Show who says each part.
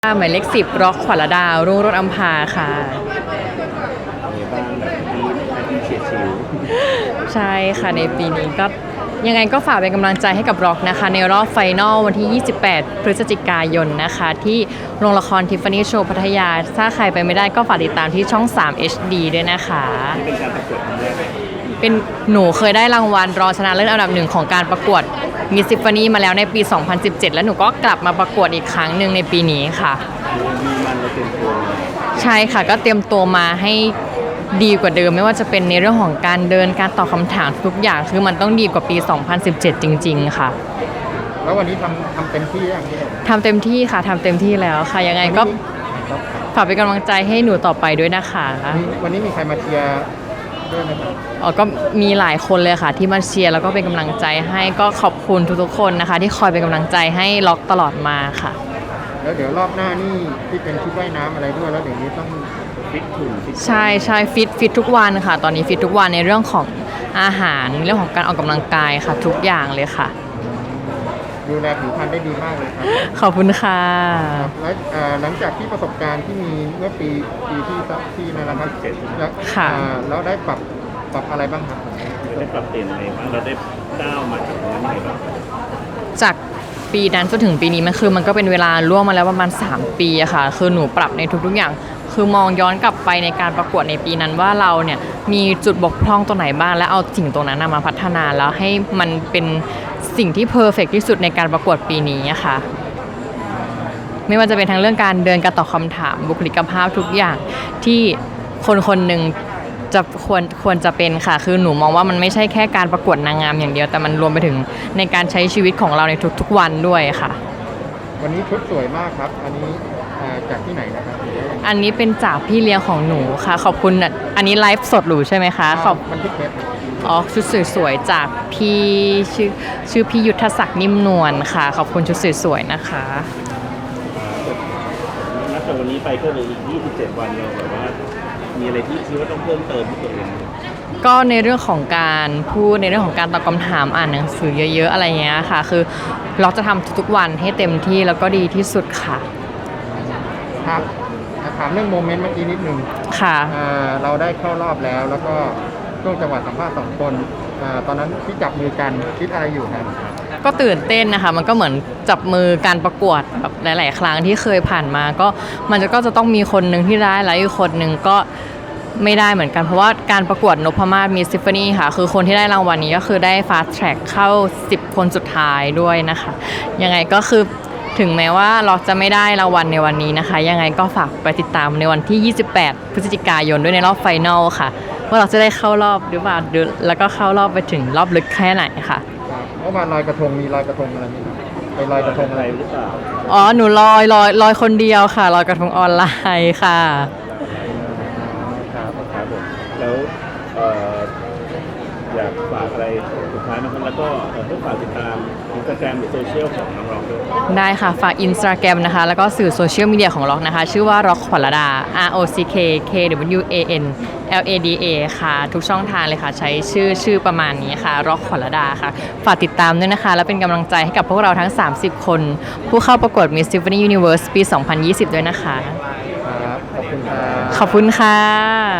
Speaker 1: หมายเลข10ร็อกขวัญระดารุ่งโรจน์อำภาค่ะ
Speaker 2: มีบ้างแบบที่เฉียดฉิว
Speaker 1: ใช่ค่ะในปีนี้ก็ยังไงก็ฝากเป็นกำลังใจให้กับร็อกนะคะในรอบไฟนอลวันที่ 28 พฤศจิกายนนะคะที่โรงละครทิฟฟานี่โชว์พัทยาถ้าใครไปไม่ได้ก็ฝากติดตามที่ช่อง 3 HD ด้วยนะคะ
Speaker 2: นี่เป็นการประกวดครั้งแรก
Speaker 1: เป็นหนูเคยได้รางวัลรองชนะเลิศอันดับหนึ่งของการประกวดมิสทิฟฟานี่มาแล้วในปี 2017 แล้วหนูก็กลับมาประกวดอีกครั้งหนึ่งในปีนี้ค่ะ
Speaker 2: มีมันเราเตรียมตัว
Speaker 1: ใช่ค่ะก็เตรียมตัวมาให้ดีกว่าเดิมไม่ว่าจะเป็นในเรื่องของการเดินการตอบคำถามทุกอย่างคือมันต้องดีกว่าปี 2017 จริงๆค่ะ
Speaker 2: แล้ววันนี้ทำเต็มที่อย่างนี้
Speaker 1: ทำเต็มที่ค่ะทำเต็มที่แล้วค่ะยังไงก็ฝากเป็นกำลังใจให้หนูต่อไปด้วยนะคะ
Speaker 2: วันนี้มีใครมาเชียร์ด้วยไหมครับ
Speaker 1: ก็มีหลายคนเลยค่ะที่มาเชียร์แล้วก็เป็นกำลังใจให้ก็ขอบคุณทุกๆคนนะคะที่คอยเป็นกำลังใจให้ล็อกตลอดมาค่ะ
Speaker 2: แล้วเดี๋ยวรอบหน้านี่ที่เป็นชุดว่ายน้ำอะไรด้วยแล้วเดี๋ยวนี้ต้องฟิตหุ่น
Speaker 1: ใช่ฟิตทุกวันค่ะตอนนี้ฟิตทุกวันในเรื่องของอาหารเรื่องของการออกกำลังกายค่ะทุกอย่างเลยค่ะ
Speaker 2: ดูแลผิวพรรณได้ดีมากเลยครับ
Speaker 1: ขอบคุณค่ะ
Speaker 2: แล้วหลังจากที่ประสบการณ์ที่มีเมื่อปีที่นั่นนะครับแล้วได้ปรับอะไรบ้างครับ
Speaker 3: ได้ปรับเปลี่ยนอะไรบ้างเราได้ก้าวมาจากตรงนั้นยังไงบ้าง
Speaker 1: จากปีนั้นจนถึงปีนี้มันก็เป็นเวลาล่วงมาแล้วประมาณ3ปีอะค่ะคือหนูปรับในทุกๆอย่างคือมองย้อนกลับไปในการประกวดในปีนั้นว่าเราเนี่ยมีจุดบกพร่องตรงไหนบ้างและเอาสิ่งตรงนั้นมาพัฒนาแล้วให้มันเป็นสิ่งที่เพอร์เฟกต์ที่สุดในการประกวดปีนี้อะค่ะไม่ว่าจะเป็นทั้งเรื่องการเดินการตอบคำถามบุคลิกภาพทุกอย่างที่คนหนึ่งจะควรจะเป็นค่ะคือหนูมองว่ามันไม่ใช่แค่การประกวดนางงามอย่างเดียวแต่มันรวมไปถึงในการใช้ชีวิตของเราในทุกๆวันด้วยค่ะ
Speaker 2: วันนี้ชุดสวยมากครับอันนี้จากที่ไหนนะครับ
Speaker 1: อันนี้เป็นจากพี่เลี้ยงของหนูค่ะขอบคุณอันนี้ไลฟ์สดหรือใช่ไหมคะ
Speaker 2: มันที่เก็บ
Speaker 1: ชุดสวยๆจากพี่ชื่อพี่ยุทธศักดิ์นิ่มนวลค่ะขอบคุณชุดสวยๆนะคะ
Speaker 3: นับจากวันนี้ไปก็เลยอีก27วันเราแบบว่ามีอะไรที่คิดว่าต้องเพิ่มเติมที่ตัวเอง
Speaker 1: ก็ในเรื่องของการพูดในเรื่องของการตอบคำถามอ่านหนังสือเยอะๆอะไรเงี้ยค่ะคือเราจะทำทุกๆวันให้เต็มที่แล้วก็ดีที่สุดค่ะ
Speaker 2: ครับถามเรื่องโมเมนต์เมื่อกี้นิดนึง
Speaker 1: ค่ะ
Speaker 2: เราได้เข้ารอบแล้วก็ช่วงจังหวะสัมภาษณ์2คนตอนนั้นที่จับมือกันคิดอะไรอยู่ครับ
Speaker 1: ก็ตื่นเต้นนะคะมันก็เหมือนจับมือการประกวดแบบหลายๆครั้งที่เคยผ่านมาก็มันก็จะต้องมีคนหนึ่งที่ได้แล้วอีกคนหนึ่งก็ไม่ได้เหมือนกันเพราะว่าการประกวดนพมาศมิสทิฟฟานี่ค่ะคือคนที่ได้รางวัลนี้ก็คือได้ฟาสต์แทร็กเข้า10คนสุดท้ายด้วยนะคะยังไงก็คือถึงแม้ว่าเราจะไม่ได้รางวัลในวันนี้นะคะยังไงก็ฝากไปติดตามในวันที่28 พฤศจิกายนด้วยในรอบไฟนอลค่ะว่าเราจะได้เข้ารอบหรือเปล่าแล้วก็เข้ารอบไปถึงรอบลึกแค่ไหนค่ะ
Speaker 2: เมื่อวานลอยกระทงมีลอยกระทงอะไรไหมครับไปลอยกระทงอะไรหรือเปล่า
Speaker 1: หนูลอยคนเดียวค่ะลอยกระทงออนไลน์ค่ะ
Speaker 3: ครับผมแล้วอยากฝากอะไรสุดท้ายนะครับแล้วก็ให้ฝากติดตามInstagramหรือโซเชียลของน้องๆด้วย
Speaker 1: ได้ค่ะฝาก Instagram นะคะแล้วก็สื่อโซเชียลมีเดียของร็อกนะคะชื่อว่าร็อกขวัญระดา ROCKKWANLADA ค่ะทุกช่องทางเลยค่ะใช้ชื่อประมาณนี้ค่ะร็อกขวัญระดาค่ะฝากติดตามด้วยนะคะและเป็นกำลังใจให้กับพวกเราทั้ง30คนผู้เข้าประกวด Miss Tiffany Universe ปี 2020 ด้วยนะคะ
Speaker 2: ขอบคุณค่ะ
Speaker 1: ขอบคุณค่ะ